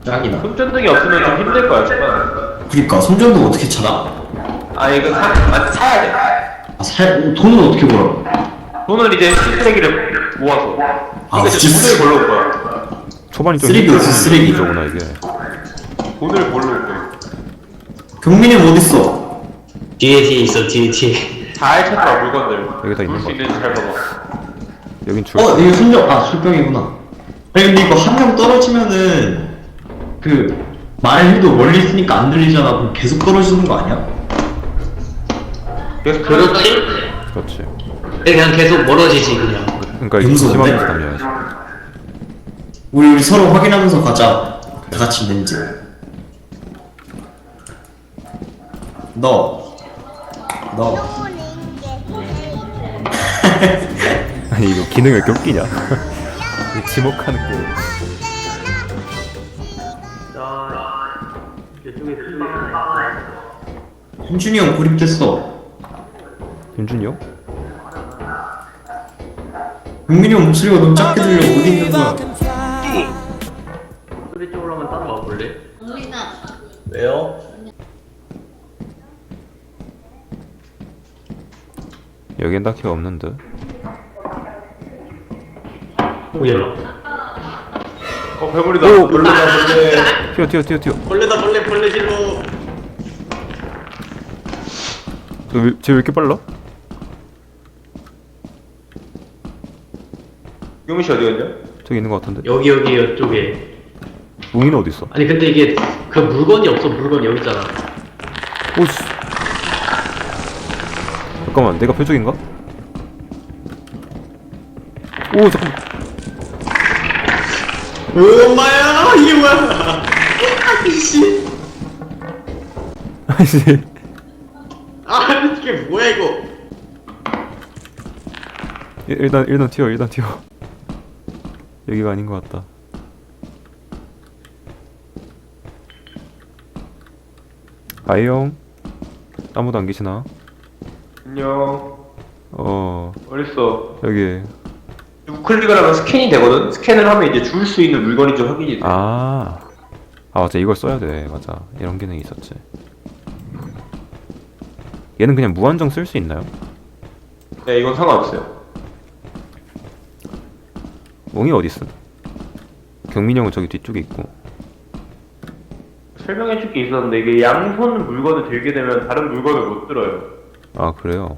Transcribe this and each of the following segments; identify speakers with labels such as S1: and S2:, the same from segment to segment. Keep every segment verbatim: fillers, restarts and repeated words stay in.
S1: 짱이다.
S2: 손전등이 없으면 좀 힘들 거야 초반에.
S1: 그니까 손전등 어떻게 찾아?
S2: 아 이거 사, 아, 사야 돼.
S1: 아, 살 돈은 어떻게 벌어?
S2: 돈을 이제 쓰레기를 모아서.
S1: 아,
S2: 그러니까 이제
S1: 진짜
S2: 돈을 벌러 올 거야.
S3: 초반이 좀
S1: 쓰레기 없어, 쓰레기.
S3: 거구나 이게.
S2: 돈을 벌러 올 거야.
S1: 경민이 형 어딨어?
S4: 뒤에 뒤에 있어 뒤에 뒤에.
S2: 잘 찾아봐 물건들.
S3: 여기다 있는
S2: 볼수
S3: 거.
S2: 있는지 잘 봐봐.
S3: 여긴 줄.
S1: 어 이거 손전 아 술병이구나. 아니 근데 이거 한 명 떨어지면은 그 말을 해도 멀리 있으니까 안 들리잖아. 그럼 계속 떨어지는 거 아니야?
S2: 그래서
S4: 그렇지?
S3: 그렇지.
S4: 그냥 계속 멀어지지 그냥.
S3: 그러니까 이거
S1: 용서인데?
S3: 조심하면서 달려야지.
S1: 우리 우리 서로 확인하면서 가자. 다 같이 있는지. 너. 너.
S3: 아니 이거 기능이 왜 이렇게 웃기냐? 이 지목하는 게.
S4: 이쪽에
S1: 현준이 형 고립됐어.
S3: 윤준이 형?
S1: 경민이 형 목소리가 너무 작게 들려. 어디 있는 거야?
S4: 소리 쪽으로 한번 따라와 볼래?
S1: 왜요?
S3: 여긴 딱히 없는 듯.
S4: 오야.
S2: 어 괴물이다.
S3: 오!
S2: 놀라다 근데
S3: 튀어 튀어 튀어 튀어.
S4: 벌레다 벌레 벌레 질러.
S3: 쟤왜 이렇게 빨라?
S2: 유미 씨 어디 갔냐?
S3: 저기 있는 거 같은데.
S4: 여기 여기 이쪽에.
S3: 웅이는 어디 있어?
S4: 아니 근데 이게 그 물건이 없어. 물건 여기 있잖아.
S3: 오씨. 잠깐만 내가 표적인가? 오 잠깐.
S4: 엄마야 이게 뭐야? 아이씨.
S3: 아이씨.
S4: 아 이게 뭐야 이거?
S3: 일- 일단 일단 튀어 일단 튀어. 여기가 아닌 것 같다. 아이형 아무도 안 계시나?
S2: 안녕.
S3: 어
S2: 어딨어?
S3: 여기.
S2: 우클릭을 하면 스캔이 되거든? 스캔을 하면 이제 줄 수 있는 물건인지 확인이 돼.
S3: 아, 아 맞아 이걸 써야 돼. 맞아 이런 기능이 있었지. 얘는 그냥 무한정 쓸 수 있나요?
S2: 네, 이건 상관없어요.
S3: 웅이 어디 있어? 경민이 형은 저기 뒤쪽에 있고.
S2: 설명해줄 게 있었는데 이게 양손 물건을 들게 되면 다른 물건을 못 들어요.
S3: 아 그래요?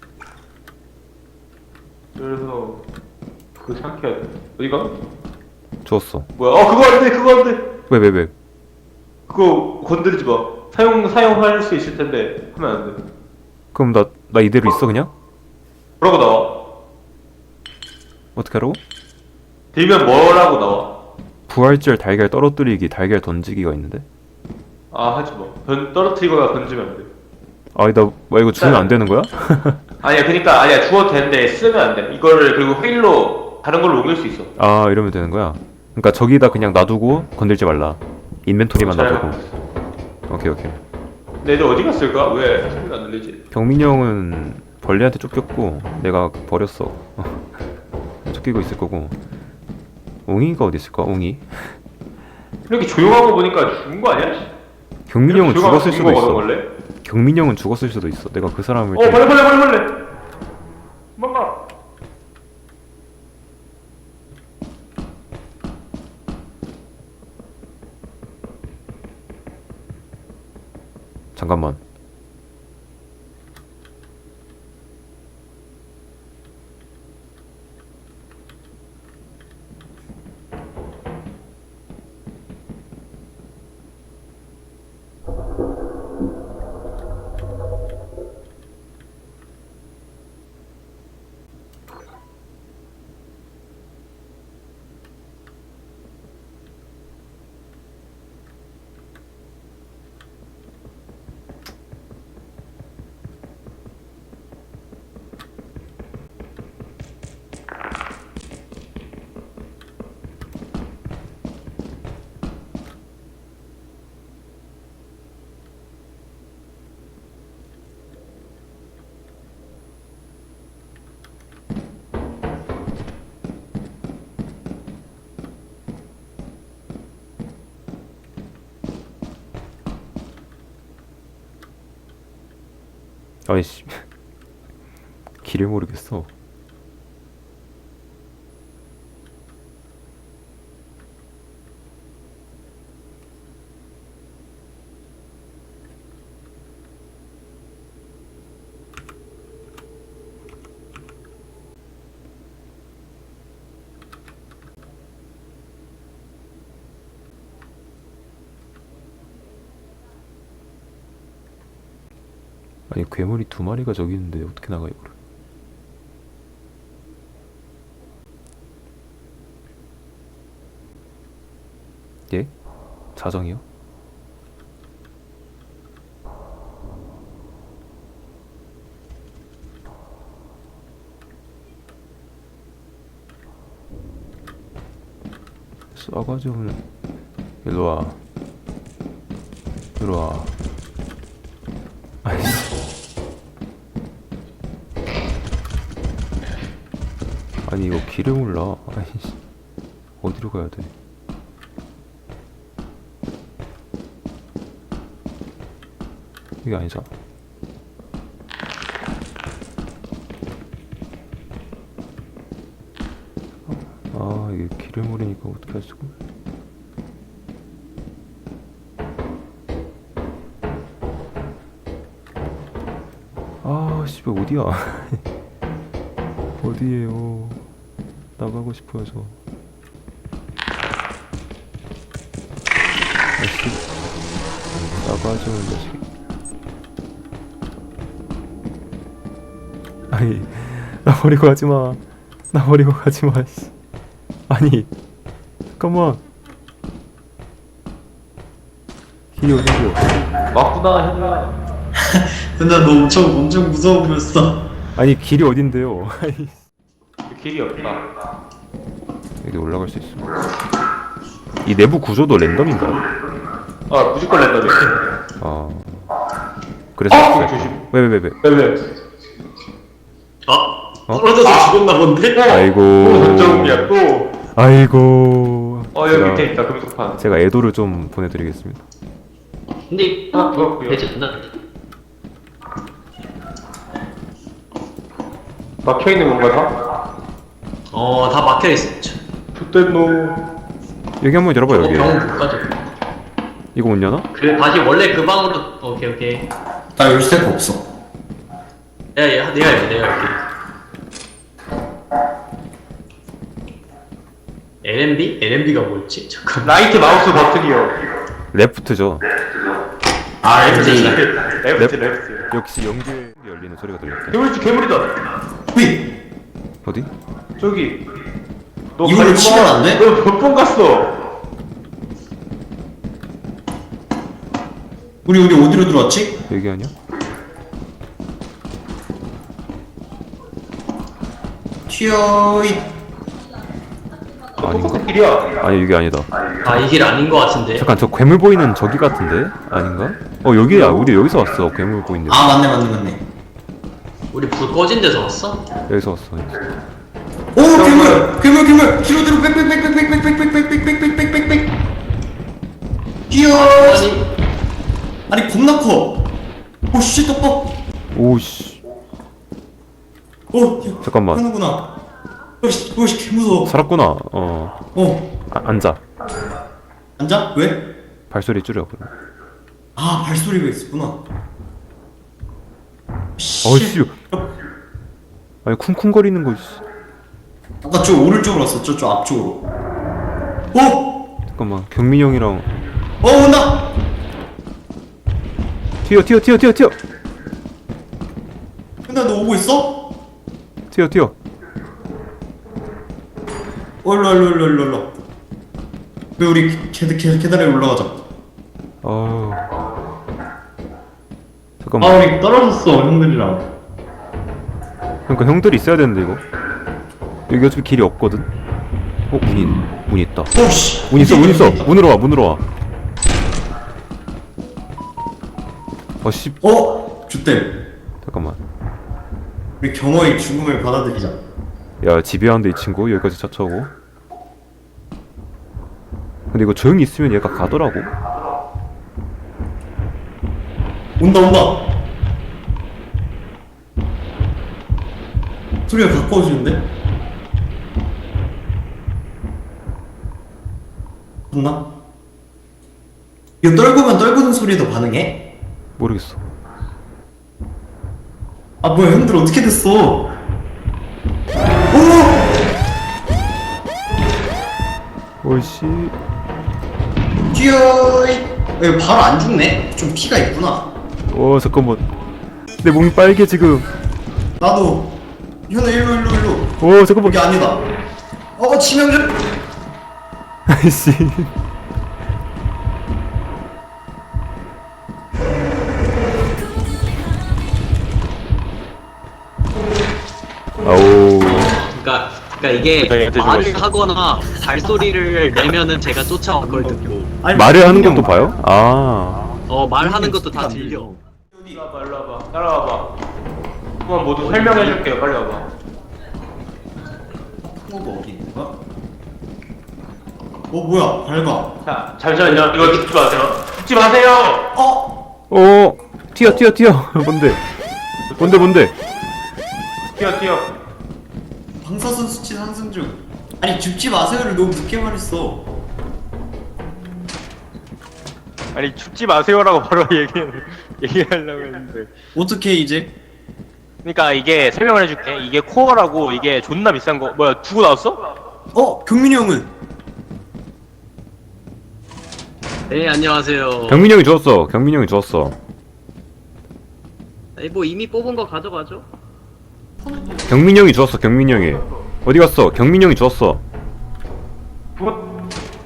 S2: 그래서 그거 생각해야 돼. 어디가?
S3: 주웠어.
S2: 뭐야? 어 그거 안 돼, 그거 안 돼.
S3: 왜 왜 왜?
S2: 그거 건드리지 마. 사용 사용할 수 있을 텐데 하면 안 돼.
S3: 그럼 나 나 이대로 있어 그냥?
S2: 뭐라고 나와?
S3: 어떻게 하라고?
S2: 들면 뭐라고 나와?
S3: 부활절 달걀 떨어뜨리기 달걀 던지기가 있는데?
S2: 아 하지 마. 던 떨어뜨리거나 던지면 안 돼.
S3: 아니 나 뭐 이거 주면 안 되는 거야?
S2: 아니야, 그러니까 아니야 주어도 되는데 쓰면 안 돼. 이거를 그리고 페일로 다른 걸로 옮길 수 있어.
S3: 아 이러면 되는 거야? 그러니까 저기다 그냥 놔두고 건들지 말라. 인벤토리만
S2: 잘
S3: 놔두고.
S2: 알고 있어.
S3: 오케이 오케이.
S2: 근데 애들 어디 갔을까? 왜 소리가 안 들리지?
S3: 경민이 형은 벌레한테 쫓겼고 내가 버렸어. 쫓기고 있을 거고. 웅이가 어디 있을까? 웅이?
S2: 이렇게 조용한 거 보니까 죽은 거 아니야?
S3: 경민이 형은
S2: 이렇게 조용하고
S3: 죽었을
S2: 죽은
S3: 수도
S2: 거거든,
S3: 있어.
S2: 원래?
S3: 경민이 형은 죽었을 수도 있어. 내가 그 사람을
S2: 어 벌레 벌레 벌레 벌레. 도망가.
S3: 잠깐만. 아이씨 길을 모르겠어. 아니 괴물이 두 마리가 저기 있는데 어떻게 나가 이거를? 예? 자정이요? 싸가지 없는. 일로와 일로와. 아이씨. 아니 이거 길을 몰라. 아이씨. 어디로 가야 돼? 이게 아니잖아. 아 이게 길을 모르니까 어떻게 할 수가. 아 씨발 어디야? 어디에요? 나가고 싶어요 저. 아씨 나가죠 이 자식. 아니 나 버리고 가지마. 나 버리고 가지마. 씨. 아니 잠깐만. 길이 어디고?
S2: 맞구나 현우야.
S1: 근데 너 엄청 엄청 무서워 보였어.
S3: 아니 길이 어딘데요? 아니
S2: 길이 없다.
S3: 여기 올라갈 수 있어. 이 내부 구조도 랜덤인가요?
S2: 아 무조건 랜덤이야.
S3: 아 그래서
S2: 어! 조심.
S3: 왜왜 왜 왜?
S2: 왜 왜?
S4: 아 떨어져서 죽었나 본데?
S3: 아이고.
S2: 또 전정이야 또.
S3: 아이고.
S2: 어 여기
S3: 제가-
S2: 밑에 있다 금속판.
S3: 제가 애도를 좀 보내드리겠습니다.
S4: 근데
S2: 아,
S4: 아
S2: 그렇고요.
S4: 되지 않나?
S2: 막혀 있는 건가 다?
S4: 어다 막혀있어.
S2: 좋된 놈.
S3: 여기 한번 열어봐 여기.
S4: 병원 못 가죠.
S3: 이거 못 여나?
S4: 그래 다시 원래 그 방으로. 오케이 오케이.
S1: 나 열쇠가 없어.
S4: 내가 얘- 내가 해 내가 할게. 엘엠비? 엘엠비가 뭐였지? 잠깐.
S2: 라이트 마우스 버튼이요.
S3: 레프트죠.
S1: 아
S4: 엘엠비.
S2: 레프트 레프트.
S3: 역시 연기에 열리는 소리가 들렸대.
S2: 괴물이지 괴물이다.
S1: 휘.
S3: 어디?
S2: 저기. 너
S1: 이걸로
S2: 가지 마.
S1: 치면 안 돼?
S2: 너 몇 번 갔어?
S1: 우리 우리 어디로 들어왔지?
S3: 여기 아니야?
S1: 튀어잇.
S3: 아닌가?
S2: 똑같은 길이야.
S3: 아니 여기 아니다.
S4: 아 이 길 아닌 것 같은데.
S3: 잠깐 저 괴물 보이는 저기 같은데? 아닌가? 어 여기야. 우리 여기서 왔어. 괴물 보이는 데.
S1: 아 맞네 맞네 맞네.
S4: 우리 불 꺼진 데서 왔어?
S3: 여기서 왔어. 여기서.
S1: 오 괴물 괴물 괴물 뒤로 뒤로 빽빽빽빽빽빽빽빽빽빽빽빽빽 뛰어.
S4: 아니
S1: 아니 겁나 커. 오씨 떡밥.
S3: 오씨.
S1: 오
S3: 잠깐만.
S1: 하는구나. 오씨 오씨 개 무서워.
S3: 살았구나. 어.
S1: 어
S3: 아, 앉아.
S1: 앉아? 왜?
S3: 발소리 줄여 그럼.
S1: 아 발소리가 있었구나.
S3: 어이씨. 아니 쿵쿵거리는 거. 씨.
S1: 아까 저 오른쪽으로 왔어. 저쪽 앞쪽으로. 오!
S3: 잠깐만. 경민이 형이랑
S1: 어 온다.
S3: 튀어 튀어 튀어 튀어 튀어
S1: 근데 너 오고 있어?
S3: 튀어 튀어.
S1: 얼로 얼로 얼로 얼로 얼로. 왜 우리 계단 계단 계단에 올라가자.
S3: 어.
S1: 아
S3: 잠깐만.
S1: 우리 떨어졌어 형들이랑.
S3: 그러니까 형들이 있어야 되는데 이거. 여기 어차피 길이 없거든. 어 문이 문이 있다.
S1: 오씨.
S3: 문 있어 문 있어. 문으로 와 문으로 와. 어씨.
S1: 어? 주댐.
S3: 잠깐만.
S1: 우리 경호의 죽음을 받아들이자.
S3: 야 집요한데 이 친구 여기까지 차차오고. 근데 이거 조용히 있으면 얘가 가더라고.
S1: 온다 온다. 소리가 가까워지는데? 맞나? 이거 떨구면 떨구는 소리도 반응해?
S3: 모르겠어.
S1: 아 뭐야 형들 어떻게 됐어? 오!
S3: 오이씨.
S1: 뛰어! 왜 바로 안 죽네? 좀 피가 있구나.
S3: 오 잠깐만. 내 몸이 빨개 지금.
S1: 나도. 현아 일로 일로 일로.
S3: 오 잠깐만.
S1: 여기 아니다. 어 치명적.
S3: 아이씨. 아오.
S4: 그러니까 그러니까 이게
S2: 저희한테
S4: 말을
S2: 죽었어.
S4: 하거나 발소리를 내면은 제가 쫓아와 그걸 듣고
S3: 말을 하는 것도 봐요? 아.
S4: 어 말하는 것도 다 들려.
S2: 일로 와봐, 일로 와봐. 따라와봐. 한번 모두 설명해줄게요. 빨리 와봐.
S1: 뭐가 어디 있는 거야? 어 뭐야 밝아.
S2: 자, 잠시만요. 이거 죽지 마세요. 죽지 마세요!
S1: 어?
S3: 오. 튀어 튀어 튀어. 뭔데? 뭔데 뭔데?
S2: 뛰어, 뛰어.
S1: 방사선 수치 상승 중. 아니 죽지 마세요를 너무 늦게 말했어.
S2: 아니, 죽지 마세요라고 바로 얘기, 얘기하려고 했는데.
S1: 어떻게 이제?
S2: 그니까 이게 설명을 해줄게. 이게 코어라고 이게 존나 비싼 거. 뭐야, 두고 나왔어?
S1: 어 경민이 형은?
S4: 네 안녕하세요.
S3: 경민이 형이 주웠어. 경민이 형이 주웠어.
S4: 아니, 뭐 이미 뽑은 거 가져가죠.
S3: 경민이 형이 주웠어. 경민이 형이. 어디 갔어? 경민이 형이 주웠어.
S2: 뭐?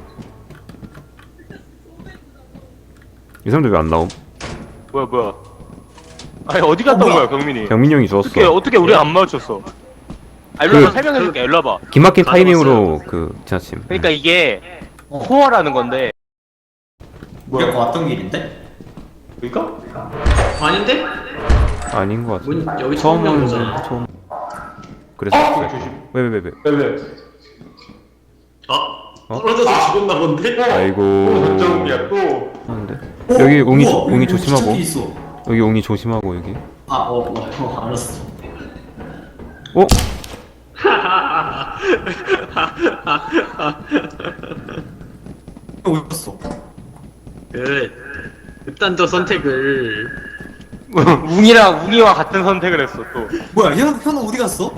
S3: 이 사람들 왜 안 나옴?
S2: 뭐야, 뭐야. 아니, 어디 갔다
S1: 어,
S2: 온
S1: 뭐야?
S2: 거야, 경민이?
S3: 경민이 형이 주웠어.
S2: 어떻게, 어떻게 우리 안 맞췄어? 아, 일로
S3: 그-
S2: 와봐, 설명해줄게. 일로 와봐.
S3: 기막힌
S4: 맞아,
S3: 타이밍으로 그 지나침.
S2: 그러니까 이게
S1: 어.
S2: 코어라는 건데.
S1: 우리가 아까 왔던 길인데?
S2: 그니까?
S4: 아닌데?
S3: 아닌 것 같아.
S4: 문 여기 처음 온
S3: 처음은
S4: 거잖아.
S3: 처음. 그래서
S2: 어, 조심.
S3: 왜 왜 왜 왜?
S2: 왜, 왜?
S4: 아
S3: 어?
S4: 떨어져서 죽었나 본데?
S3: 아이고.
S2: 또 전정이야, 또.
S3: 하는데?
S1: 어?
S3: 여기 옹이
S1: 우와,
S3: 조- 옹이
S1: 여기
S3: 조심하고.
S1: 기척이 있어.
S3: 여기 옹이 조심하고 여기.
S1: 아, 어, 어, 어, 알았어.
S3: 어?
S1: 형 어디 갔어?
S4: 그 극단적 선택을
S2: 웅이랑 웅이와 같은 선택을 했어, 또.
S1: 뭐야, 현, 현우 어디 갔어?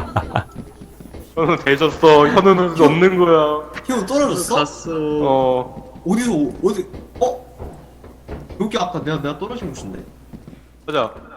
S2: 현우 대졌어. 현우는 없는 거야.
S1: 현우 떨어졌어?
S4: 갔어.
S2: 어.
S1: 어디서, 어디, 어? 여기 아까 내가, 내가 떨어진 곳인데?
S2: 보자.